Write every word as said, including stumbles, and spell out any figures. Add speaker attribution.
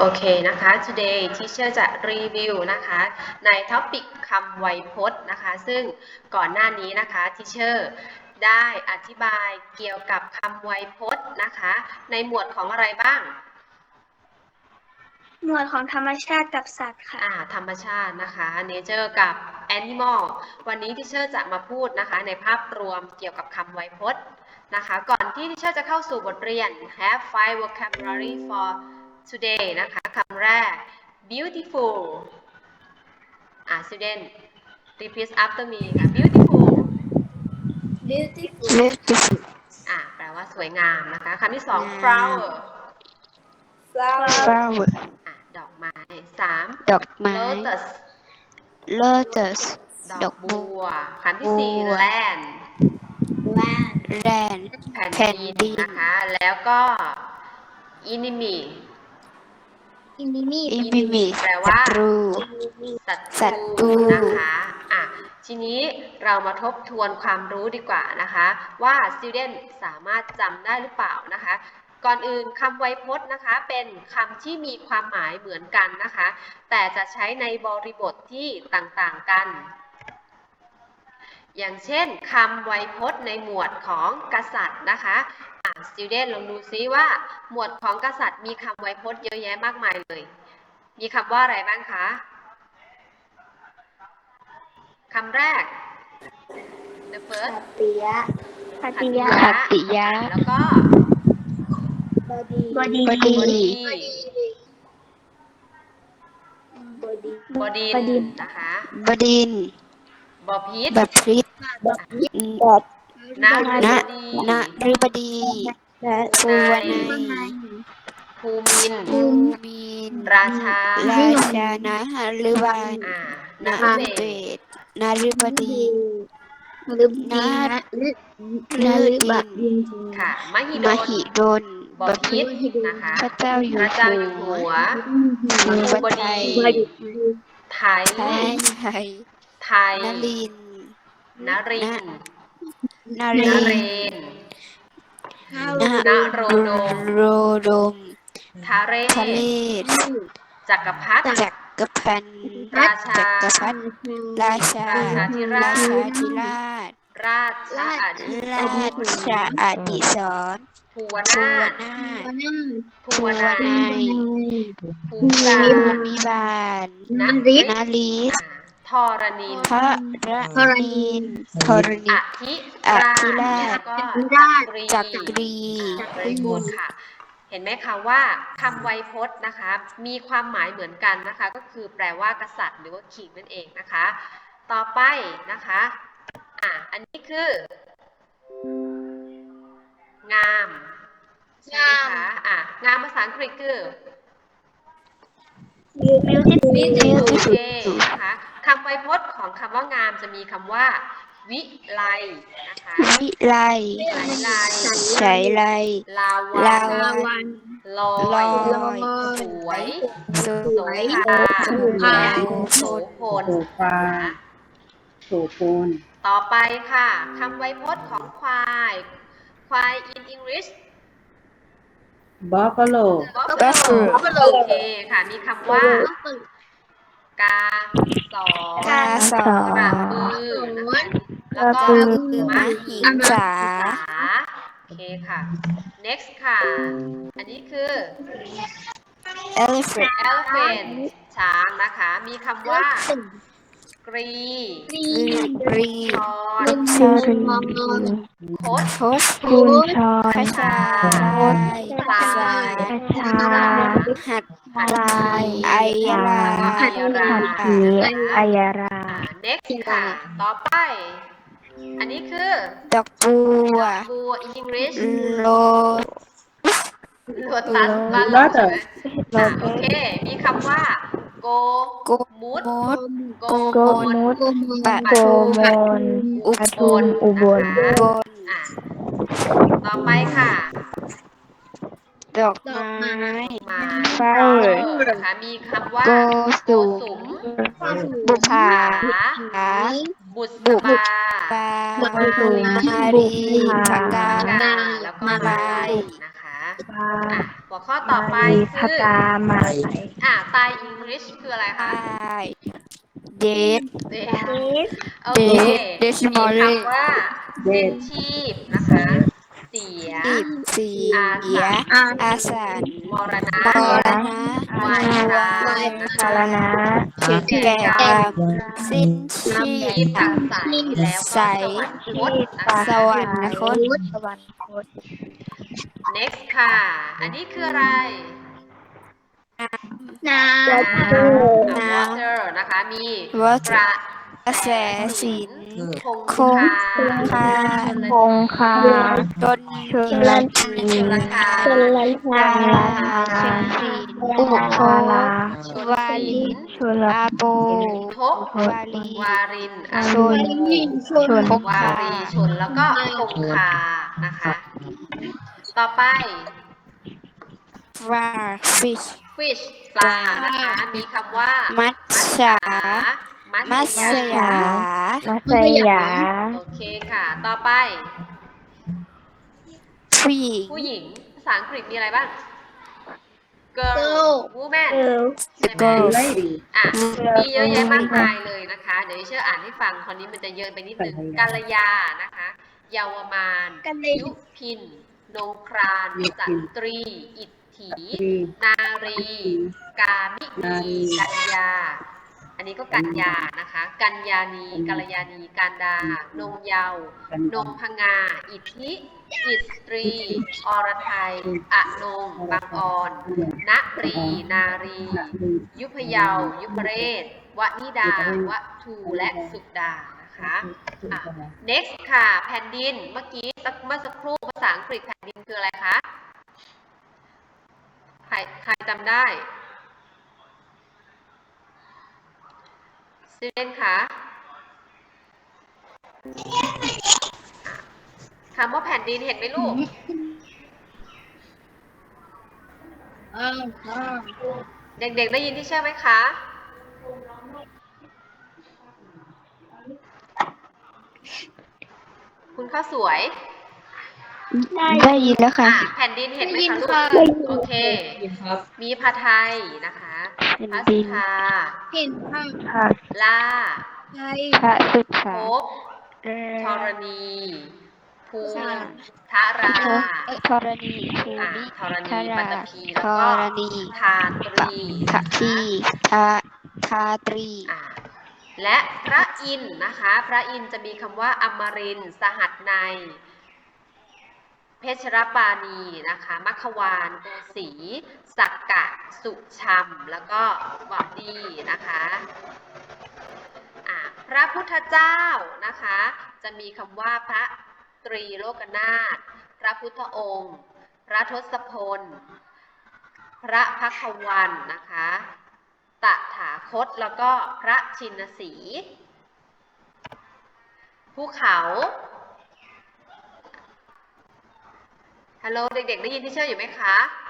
Speaker 1: โอเคนะคะ today teacher จะรีวิวนะคะในท็อปิกคำไวยพจน์นะคะซึ่งก่อนหน้านี้นะคะ teacher ได้อธิบายเกี่ยวกับคำไวยพจน์นะคะในหมวดของอะไรบ้าง
Speaker 2: หมวดของธรรมชาติกับสัตว์ค่ะ
Speaker 1: อ่าธรรมชาตินะคะ nature กับ animal วันนี้ teacher จะมาพูดนะคะในภาพรวมเกี่ยวกับคำไวยพจน์นะคะก่อนที่ teacher จะเข้าสู่บทเรียน have five vocabulary for today นะคะคำแรก beautiful อ่า student repeat after me ค่ะ beautiful
Speaker 2: beautiful
Speaker 3: beautiful
Speaker 1: อ่าแปลว่าสวยงามนะคะคำที่สอง flower
Speaker 3: flower
Speaker 1: อ่าดอกไม้สาม
Speaker 3: ดอกไม้
Speaker 1: lotus
Speaker 3: lotus
Speaker 1: ดอกบัวคำที่สี่ land
Speaker 3: land
Speaker 1: แผ่น
Speaker 3: แผ่น
Speaker 1: ดิน
Speaker 3: ดิน
Speaker 1: นะคะแล้วก็ enemy
Speaker 2: enemy
Speaker 3: enemy
Speaker 1: แปลว่า
Speaker 3: ศัตรู
Speaker 1: ศั
Speaker 3: ศั
Speaker 1: ต
Speaker 3: ตรู
Speaker 1: รูนะคะอ่ะทีนี้เรามาทบทวนความรู้ดีกว่านะคะว่า student สามารถจำได้หรือเปล่านะคะก่อนอื่นคำไวยพจน์นะคะเป็นคำที่มีความหมายเหมือนกันนะคะแต่จะใช้ในบริบทที่ต่างๆกันอย่างเช่นคำไวยพจน์ในหมวดของกษัตริย์นะคะอ่ะ student ลองดูซิว่าหมวดของกษัตริย์มีคำไวยพจน์เยอะแยะมากมายเลยมีคำว่าอะไรบ้างคะคำแรก the first
Speaker 2: ปิยะปฏิยะ
Speaker 3: ขัตติยะ
Speaker 1: แล้วก็
Speaker 2: บดีบดี
Speaker 3: บดี
Speaker 1: บดินนะคะ
Speaker 3: บดินทร์
Speaker 1: บพิตร
Speaker 3: บพิตร
Speaker 1: น
Speaker 3: ณ
Speaker 1: ฤ
Speaker 3: ณ
Speaker 1: ดี
Speaker 3: ฤบดี
Speaker 1: ภู
Speaker 3: ภูว
Speaker 1: นั
Speaker 3: นัย
Speaker 1: ยภูมินทร์
Speaker 3: ภูมินทร์
Speaker 1: ราชา
Speaker 3: ราชานะฤบาล
Speaker 1: อ่า
Speaker 3: ณ
Speaker 1: นฤ
Speaker 3: เบ
Speaker 1: เบศ
Speaker 3: ศนฤบดี
Speaker 2: ลึบ
Speaker 3: ณ
Speaker 2: ดีนะลึก
Speaker 3: น
Speaker 2: ลึ
Speaker 3: ดิ
Speaker 2: บ
Speaker 3: น
Speaker 2: ดิน
Speaker 1: ค่ะมหิด
Speaker 3: ม
Speaker 1: ล
Speaker 3: หิดล
Speaker 1: บพิตรนะคะ
Speaker 3: พระเจ้าอยู่
Speaker 1: พระเจ้าอยู่
Speaker 3: หั
Speaker 1: หั
Speaker 3: ว
Speaker 1: ว
Speaker 3: ภู
Speaker 1: ภู
Speaker 3: ป
Speaker 1: บ
Speaker 3: ไท
Speaker 1: ดี
Speaker 3: ย
Speaker 1: ไทย
Speaker 3: ไทย
Speaker 1: ไทย
Speaker 3: นลิน
Speaker 1: นรินทร์
Speaker 3: น
Speaker 1: น
Speaker 3: เร
Speaker 1: เร
Speaker 3: น
Speaker 1: น
Speaker 3: น
Speaker 1: นโรดม
Speaker 3: โรดม
Speaker 1: ทาเร
Speaker 3: ทะเล
Speaker 1: ศ จักรพรรดิ
Speaker 3: จักรพันธ์
Speaker 1: ราชา
Speaker 3: จักรพรรดิราชา
Speaker 1: ราชาธิรา
Speaker 3: รา
Speaker 1: ช
Speaker 3: ชาธิราช
Speaker 1: ราชอดิ
Speaker 3: ราชอดิศร
Speaker 1: ภูว
Speaker 3: ภู
Speaker 1: นาว
Speaker 3: นา
Speaker 1: ถ
Speaker 3: ถ
Speaker 1: ภู
Speaker 3: ภู
Speaker 1: ว
Speaker 3: ว
Speaker 1: นั
Speaker 3: นั
Speaker 1: ย
Speaker 3: ย
Speaker 1: ภูมิบา
Speaker 3: ภู
Speaker 1: ล
Speaker 3: มิบาล
Speaker 1: น
Speaker 3: น
Speaker 1: ริศ
Speaker 3: ริศ
Speaker 1: ทรณิน
Speaker 3: พระระนินทร
Speaker 1: อ
Speaker 3: ณิ
Speaker 1: ธิ
Speaker 3: อ
Speaker 1: รา
Speaker 3: ธิ
Speaker 1: ช
Speaker 3: รา
Speaker 1: แล้ว
Speaker 3: ช
Speaker 1: ก็จักรี
Speaker 3: จักรี
Speaker 1: very good ค่ะเห็นไหมคะว่าคำไวยพจน์นะคะมีความหมายเหมือนกันนะคะก็คือแปลว่ากษัตริย์หรือว่า king นั่นเองนะคะต่อไปนะคะอ่ะอันนี้คืองามใช่ไหมคะอ่ะงามภาษาอังกฤษคือ
Speaker 2: beautiful
Speaker 1: โอเคนะคะคำไวยพจน์ของคำว่างามจะมีคำว่าวิไลนะคะ
Speaker 3: วิไล
Speaker 1: วิไล
Speaker 3: ใช้ไล
Speaker 1: ลา
Speaker 3: ลา
Speaker 1: วัน
Speaker 3: วัน
Speaker 1: ลอ
Speaker 3: ล
Speaker 1: ย
Speaker 3: อย
Speaker 1: สวย
Speaker 3: ส
Speaker 1: โส
Speaker 3: วย
Speaker 1: ภา
Speaker 3: โสภา
Speaker 1: โสพล
Speaker 4: โสภา
Speaker 1: นะคะ
Speaker 4: โสพล
Speaker 1: ต่อไปค่ะคำไวยพจน์ของควายควาย in English
Speaker 4: buffalo
Speaker 1: buffalo โอเคค่ะมีคำว่า กาสอก
Speaker 3: าสอก
Speaker 1: ระบือนะคะแล้วก็
Speaker 3: กระบือ
Speaker 1: ม
Speaker 3: ม
Speaker 1: หิ
Speaker 3: หิงสา
Speaker 1: โอเคค่ะ next ค่ะ อันนี้คือ
Speaker 3: elephant
Speaker 1: elephant ช้างนะคะมีคำว่า กรี
Speaker 3: กรี
Speaker 1: ชอน
Speaker 3: ชอรี
Speaker 1: คด
Speaker 3: คด
Speaker 2: คุณชอ
Speaker 3: ขชา
Speaker 1: พลาย
Speaker 3: สาย
Speaker 2: ชา
Speaker 3: หัด
Speaker 1: หัด
Speaker 2: ลาย
Speaker 3: ไอยรา
Speaker 1: อัยรา
Speaker 2: ถืออายรา
Speaker 1: อ่า next ค่ะ ต่อไป อันนี้คือ
Speaker 3: ดอกบัว
Speaker 1: บัว in English
Speaker 3: โล
Speaker 1: โลตัสบ้านเราใช่ไหมอ่ะโอเค มีคำว่า โก
Speaker 3: โก
Speaker 1: มุด
Speaker 3: มด
Speaker 1: โก
Speaker 3: โก
Speaker 1: ม
Speaker 3: มุ
Speaker 1: ด
Speaker 3: ด ปะ
Speaker 2: โกมล
Speaker 1: อุ
Speaker 2: ปทุมอุบล
Speaker 1: นะคะ
Speaker 3: บน
Speaker 1: อ่ะต่อไปค่ะ
Speaker 3: ดอกไม้
Speaker 1: ไม้
Speaker 3: flower
Speaker 1: นะคะมีคำว่า
Speaker 3: โก
Speaker 1: โก
Speaker 3: สุ
Speaker 1: สุม
Speaker 3: บุภา
Speaker 1: หา บุษ
Speaker 3: บุ
Speaker 1: บา
Speaker 3: ปา
Speaker 1: มารี
Speaker 3: มารีพกา
Speaker 1: กาแล้วก็
Speaker 3: มาลาย
Speaker 1: นะคะอ่ะโกหัวข้อต่อไป
Speaker 2: มี
Speaker 1: คื
Speaker 2: พ
Speaker 1: อ
Speaker 2: กามาใส่
Speaker 1: อ่าตาย English คืออะไรคะ
Speaker 3: เดท
Speaker 1: เดทโอเค
Speaker 3: เดท
Speaker 1: มี
Speaker 3: morning
Speaker 1: คำว่า
Speaker 4: เด
Speaker 1: สิ้น
Speaker 4: ท
Speaker 1: ชีพนะคะ เสีย
Speaker 3: สิบเสีย อาสาร
Speaker 1: มรณะ
Speaker 3: มรณะ
Speaker 1: วายชรานะ
Speaker 2: ชา
Speaker 1: คะ
Speaker 2: รณะ
Speaker 1: ถึงแก่กรรม
Speaker 3: สิ้นชี
Speaker 1: ชีพ
Speaker 3: พ
Speaker 1: ตัดใสแล้วก็
Speaker 3: ใส
Speaker 1: สวรรคตนะ
Speaker 2: ตา
Speaker 1: คะ
Speaker 3: สวรรคต
Speaker 2: สวรรคต
Speaker 1: next ค่ะ อันนี้คืออะไร
Speaker 3: น้
Speaker 1: อ่า
Speaker 3: น้ำ
Speaker 1: water นะคะ มี
Speaker 3: Water
Speaker 1: กระแส
Speaker 3: กระแสสิ
Speaker 1: สิน
Speaker 3: น
Speaker 1: คง
Speaker 3: คง
Speaker 1: คา
Speaker 3: คา
Speaker 2: คงคา
Speaker 3: จน
Speaker 2: ชนละที
Speaker 1: ชลทาน
Speaker 2: ชนละทา
Speaker 3: ชนสี
Speaker 2: อุ
Speaker 3: อุ
Speaker 2: โท
Speaker 3: โท
Speaker 2: ลา
Speaker 1: ชน
Speaker 3: วา
Speaker 1: ศิ
Speaker 3: ลี
Speaker 1: ล
Speaker 2: ชนละ
Speaker 3: อาโป
Speaker 1: ทบ
Speaker 3: วาลี
Speaker 1: วารินอ
Speaker 2: วา
Speaker 1: โศ
Speaker 2: ลี
Speaker 1: ก
Speaker 2: ชน
Speaker 3: คง
Speaker 1: วา
Speaker 3: คา
Speaker 1: รีชนแล้วก็คงคานะคะ ต่อไป
Speaker 3: ฟราฟิช
Speaker 1: fish ปลานะคะ มีคำว่า
Speaker 3: มัตสา
Speaker 1: มั
Speaker 3: มั
Speaker 1: ต
Speaker 3: ส
Speaker 1: สยา
Speaker 3: ยา
Speaker 2: มัสยา
Speaker 1: โอเคค่ะ ต่อไป
Speaker 3: ผู้หญิง
Speaker 1: ผู้หญิง ภาษาอังกฤษมีอะไรบ้าง girl woman ใช่ไหม
Speaker 3: girl
Speaker 4: เลดี้
Speaker 1: อ่ะ มีเยอะแยะมากมายเลยนะคะ เดี๋ยวดิเชื่ออ่านให้ฟังคราวนี้มันจะเยอะไปนิดนึงกัลยานะคะ เยาวมาน ยุพิน นงครานสตรี อิทธิ นารี กามินีกัญญา อันนี้ก็กัญญานะคะ กัญญานีกัลยาณีการดา นงเยาว์นงพงา อิทธิ อิสตรี อรไทย อนงบางออนณรี นารี ยุพเยาว์ยุพเรศ วนิดา วทูและสุดานะคะอ่ะ next ค่ะ แผ่นดิน เมื่อกี้สักเมื่อสักครู่ภาษาอังกฤษแผ่นดินคืออะไรคะ ใครใครจำได้ซิเดนคะคำว่าแผ่นดินเห็นไหมลูก เด็กๆได้ยินที่เชื่อไหมคะ คุณข้าวสวย
Speaker 3: ได้ยินแล้วค่ะ
Speaker 1: อ่ะแผ่นดินเห็นไหมคะลูก โอเค มีพาไทยนะคะพระสุธา
Speaker 3: เห็นค่ะ
Speaker 2: พระ
Speaker 1: ล่า
Speaker 3: ใช่
Speaker 2: พระสุ
Speaker 1: ภ
Speaker 2: ธา
Speaker 1: พธรณี ภูมิทารา
Speaker 3: ธรณีภู
Speaker 1: อ่ะ
Speaker 3: มิ
Speaker 1: ธรณี
Speaker 3: ธา
Speaker 1: ปัต
Speaker 3: รา
Speaker 1: ตภี
Speaker 3: ธ
Speaker 1: แล้วก็
Speaker 3: รณี
Speaker 1: ทาตรี
Speaker 3: ทะทีทาทาตรี
Speaker 1: อ่ะและพระอินทร์นะคะ พระอินทร์จะมีคำว่าอมรินทร์สหัสนัย เพชรปาณีนะคะ มัคควานโกสีสักกะ สุชัม แล้วก็วดีนะคะอ่ะพระพุทธเจ้านะคะ จะมีคำว่าพระตรีโลกนาถ พระพุทธองค์ พระทศพล พระพักวันนะคะ ตถาคต แล้วก็พระชินสีห์ ภูเขาฮัลโหลเด็กๆได้ยินที่เชื่ออยู่ไหมคะ